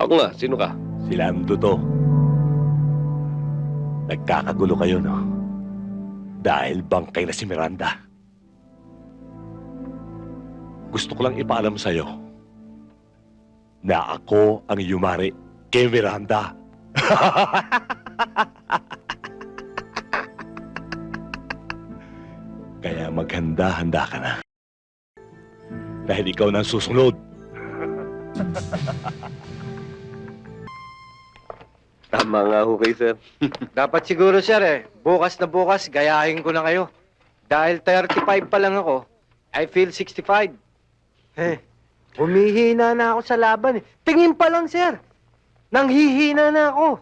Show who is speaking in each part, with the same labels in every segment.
Speaker 1: Ako nga, sino ka?
Speaker 2: Si Lando to. Nagkakagulo kayo, no? Dahil bangkay na si Miranda. Gusto ko lang ipaalam sa'yo na ako ang yumari kay Miranda. Kaya maghanda-handa ka na. Dahil ikaw na ang susunod.
Speaker 1: Tama nga ho kayo, sir.
Speaker 3: Dapat siguro, sir, bukas na bukas, gayahin ko na kayo. Dahil 35 pa lang ako, I feel 65. Humihina na ako sa laban. Tingin pa lang, sir. Nanghihina na ako.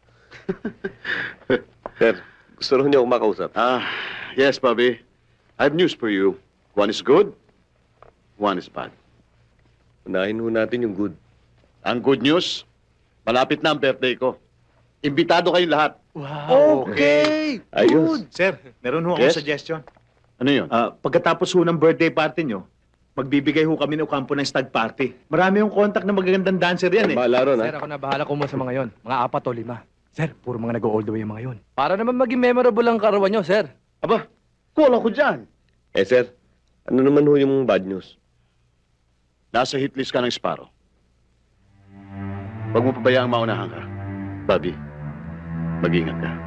Speaker 1: Sir, gusto rin niyo akong makausap.
Speaker 4: Yes, Bobby. I have news for you. One is good, one is bad.
Speaker 1: Unahin ho natin yung good.
Speaker 4: Ang good news, malapit na ang birthday ko. Imbitado kayong lahat.
Speaker 3: Okay.
Speaker 1: Ayos.
Speaker 5: Sir, meron ho akong
Speaker 4: Yes?
Speaker 5: suggestion.
Speaker 4: Ano yun?
Speaker 5: Pagkatapos ho ng birthday party nyo, magbibigay ho kami ng kampo ng stag party. Marami yung contact na magagandang dancer yan eh.
Speaker 1: Bahala ron,
Speaker 6: Sir,
Speaker 1: ha?
Speaker 6: ako na bahala kumuha sa mga yon. Mga 4 o 5. Sir, puro mga nag-all the way yung mga yon. Para naman maging memorable ang karawan nyo, sir.
Speaker 4: Aba, kulang ko dyan.
Speaker 1: Eh, sir, ano naman ho yung bad news?
Speaker 4: Nasa hit list ka ng Sparrow. Huwag mo pabayaang maunahan ka. Bobby, mag-ingat ka.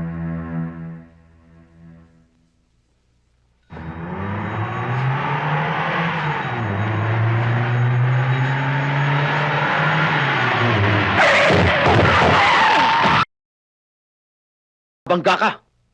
Speaker 4: Bangga ka!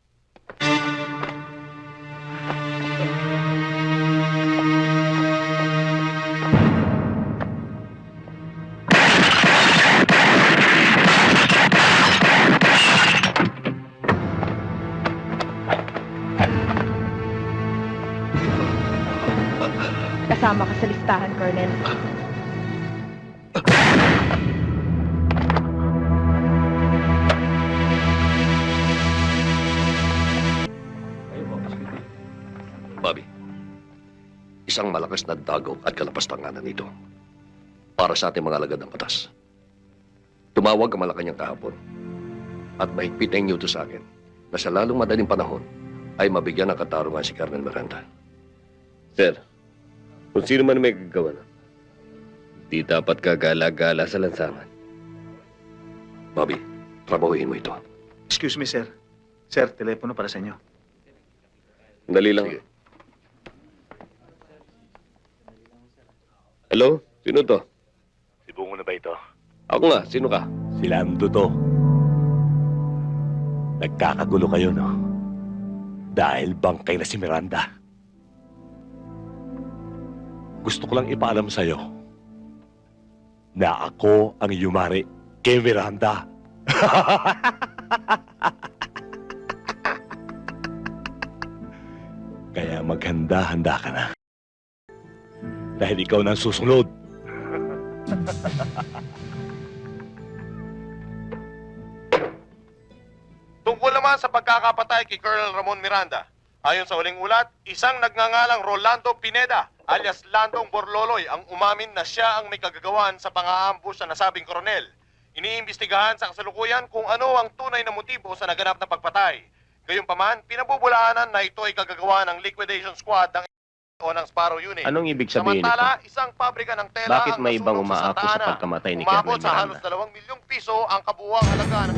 Speaker 7: Kasama ka sa listahan, Colonel.
Speaker 1: Bobby, isang malakas na dagaw at kalapastanganan ito para sa ating mga alagad ng batas. Tumawag ang Malacanang kahapon at mahigpit ang inyuto sa akin na sa lalong madaling panahon ay mabigyan ng katarungan si Colonel Miranda. Sir, kung sino man may gagawa na, di dapat kagala-gala sa lansangan. Bobby, trabahuhin mo ito.
Speaker 5: Excuse me, sir. Sir, telepono para sa inyo.
Speaker 1: Dali lang.
Speaker 4: Sige.
Speaker 1: Hello? Sino to?
Speaker 2: Si Bungo na ba ito?
Speaker 1: Ako nga. Sino ka?
Speaker 2: Si Lando to. Nagkakagulo kayo, no? Dahil bangkay na si Miranda. Gusto ko lang ipaalam sa'yo na ako ang yumari kay Miranda. Kaya maghanda-handa ka na. Dahil ikaw na ang susunod.
Speaker 8: Tungkol naman sa pagkakapatay kay Colonel Ramon Miranda, ayon sa huling ulat, isang nagngangalang Rolando Pineda alias Landong Borloloy ang umamin na siya ang may kagagawan sa pang-aambush sa nasabing koronel. Iniimbestigahan sa kasalukuyan kung ano ang tunay na motibo sa naganap na pagpatay. Gayunpaman, pinabubulaanan na ito ay kagagawa ng liquidation squad ng o ng Sparrow Unit.
Speaker 9: Anong ibig sabihin
Speaker 8: Samantala,
Speaker 9: nito?
Speaker 8: isang pabrika ng tela
Speaker 9: Bakit
Speaker 8: ang
Speaker 9: may ibang
Speaker 8: nasunog sa
Speaker 9: umaako sa
Speaker 8: Santa Ana.
Speaker 9: pagkamatay ni
Speaker 8: Umabot
Speaker 9: Colonel
Speaker 8: sa halos
Speaker 9: Miranda?
Speaker 8: 2 milyong piso ang kabuuang halaga ng...